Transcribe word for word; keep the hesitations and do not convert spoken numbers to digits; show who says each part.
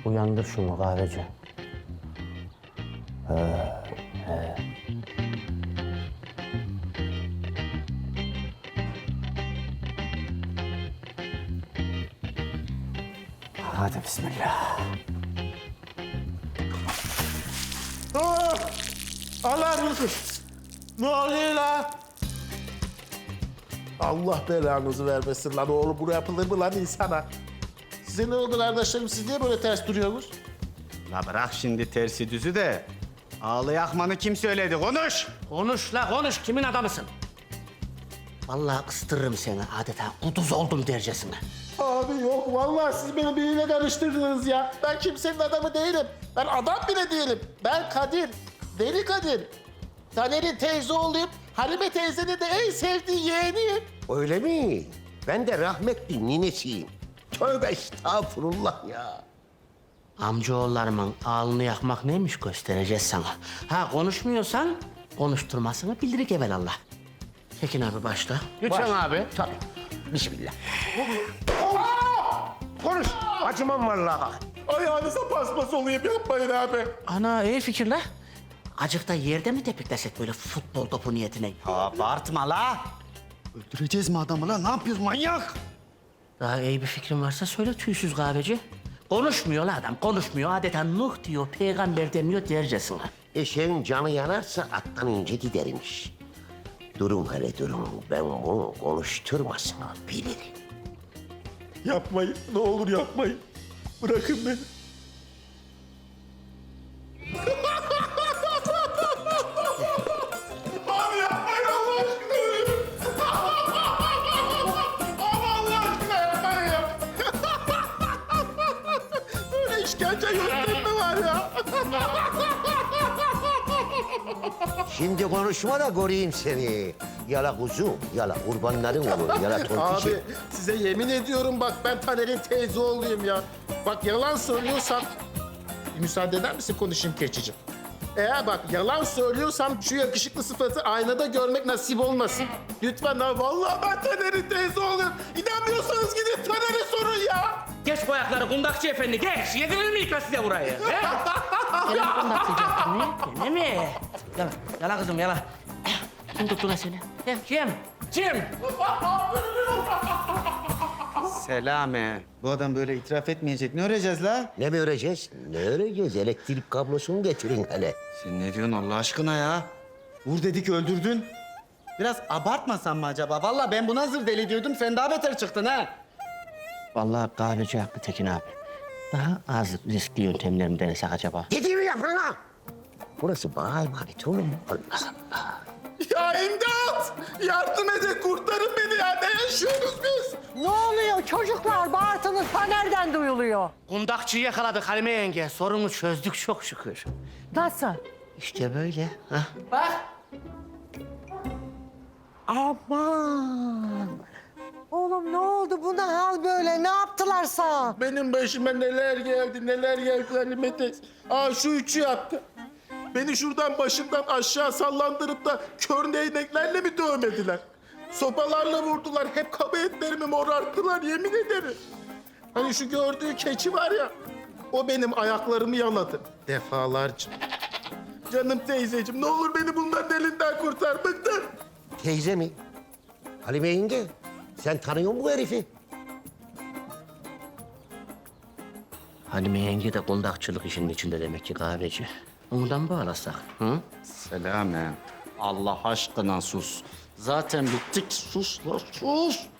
Speaker 1: Uyandır şunu kahveci. Hadi bismillah.
Speaker 2: Aa! Allah mısın? Ne oluyor lan? Allah belanızı vermesin lan oğlum. Bu yapılır mı lan insana? Size ne oldu kardeşlerim? Siz niye böyle ters duruyorsunuz?
Speaker 3: La bırak şimdi tersi düzü de. Ağlı yakmanı kim söyledi? Konuş!
Speaker 1: Konuş la konuş. Kimin adamısın? Vallahi ıstırırım seni adeta kuduz oldum dercesine.
Speaker 2: Abi yok vallahi siz beni biriyle karıştırdınız ya. Ben kimsenin adamı değilim. Ben adam bile değilim. Ben Kadir. Deli Kadir. Taner'in teyze oğluyum. Halime teyzenin de en sevdiği yeğeniyim.
Speaker 4: Öyle mi? Ben de rahmetli ninesiyim. Tövbe estağfurullah ya.
Speaker 1: Amcaoğullarımın alnını yakmak neymiş göstereceğiz sana. Ha konuşmuyorsan konuşturmasını bildirik evelallah. Tekin abi başla. Lütfen
Speaker 4: Baş-
Speaker 1: abi.
Speaker 4: Tabii. Bismillah. Konuş. Acımam vallahi.
Speaker 2: Ayağınıza paspas olayım yapmayın abi.
Speaker 1: Ana iyi fikir la. Acık da yerde mi tepiklesek böyle futbol topu niyetine?
Speaker 3: Abartma la! Öldüreceğiz mi adamı la? Ne yapıyorsun manyak?
Speaker 1: Daha iyi bir fikrin varsa söyle tüysüz kahveci. Konuşmuyor la adam, konuşmuyor. Adeta Nuh diyor, peygamber demiyor dercesine.
Speaker 4: Eşeğin canı yanarsa attan ince gidermiş. Durun hele durun. Ben bunu konuşturmasını bilirim.
Speaker 2: Yapmayın. Ne olur yapmayın. Bırakın beni. Abi yapmayın Allah aşkına ölüyorum. Abi Allah aşkına yapmayın ya. Böyle işkence yöntemi var ya.
Speaker 4: Şimdi konuşma da koruyayım seni. Yala kuzum, yala kurbanların olur, yala tontişim.
Speaker 2: Abi size yemin ediyorum bak ben Taner'in teyze oğluyum ya. Bak yalan söylüyorsam... Bir müsaade eder misin konuşayım keçicim? Eğer bak yalan söylüyorsam şu yakışıklı sıfatı aynada görmek nasip olmasın. Lütfen ha vallahi ben Taner'in teyze oğluyum. İnanmıyorsanız gidin Taner'e sorun ya.
Speaker 1: Geç bu ayakları kundakçı efendi, geç. Yedirir mi ikna size burayı? He? Seni mi kundaklayacaktın ne? Gene mi? Yala, yala kızım yala. Kim tuttu lan seni? He, kim? Kim?
Speaker 3: Selame. Bu adam böyle itiraf etmeyecek. Ne öreceğiz la?
Speaker 4: Ne mi öreceğiz? Ne öreceğiz? Elektrik kablosunu getirin hele.
Speaker 3: Sen ne diyorsun Allah aşkına ya? Vur dedik öldürdün. Biraz abartmasan mı acaba? Vallahi ben buna zır deli diyordum. Sen daha beter çıktın ha.
Speaker 1: Vallahi kahveci haklı Tekin abi. Daha az riskli yöntemler mi denesek acaba?
Speaker 4: Dediğimi yapın lan! Burası bana emanet oğlum. Allah Allah.
Speaker 2: Ya imdat! Yardım edin kurtarın beni ya. Ne yaşıyoruz biz?
Speaker 5: Ne oluyor çocuklar? Bağırtınız ta nereden duyuluyor?
Speaker 1: Kundakçıyı yakaladık Halime yenge. Sorunu çözdük çok şükür.
Speaker 5: Nasıl?
Speaker 1: İşte böyle. Ha?
Speaker 5: Bak. Aman. Oğlum ne oldu? Bu ne hal böyle? Ne yaptılar sana?
Speaker 2: Benim başıma neler geldi, neler geldi Halime teyze. Aa şu üçü yaptı. Beni şuradan başımdan aşağı sallandırıp da kör değneklerle mi dövmediler? Sopalarla vurdular. Hep kaba etlerimi morarttılar yemin ederim. Hani şu gördüğü keçi var ya, o benim ayaklarımı yaladı defalarca. Canım teyzeciğim ne olur beni bunların elinden kurtar. Bıktım.
Speaker 4: Teyze mi? Halime yenge, sen tanıyor musun bu herifi?
Speaker 1: Halime yenge de kundakçılık işinin içinde demek ki kahveci. Ondan bağlasak. Hı?
Speaker 3: Selame. Allah aşkına sus. Zaten bittik. Sus la sus.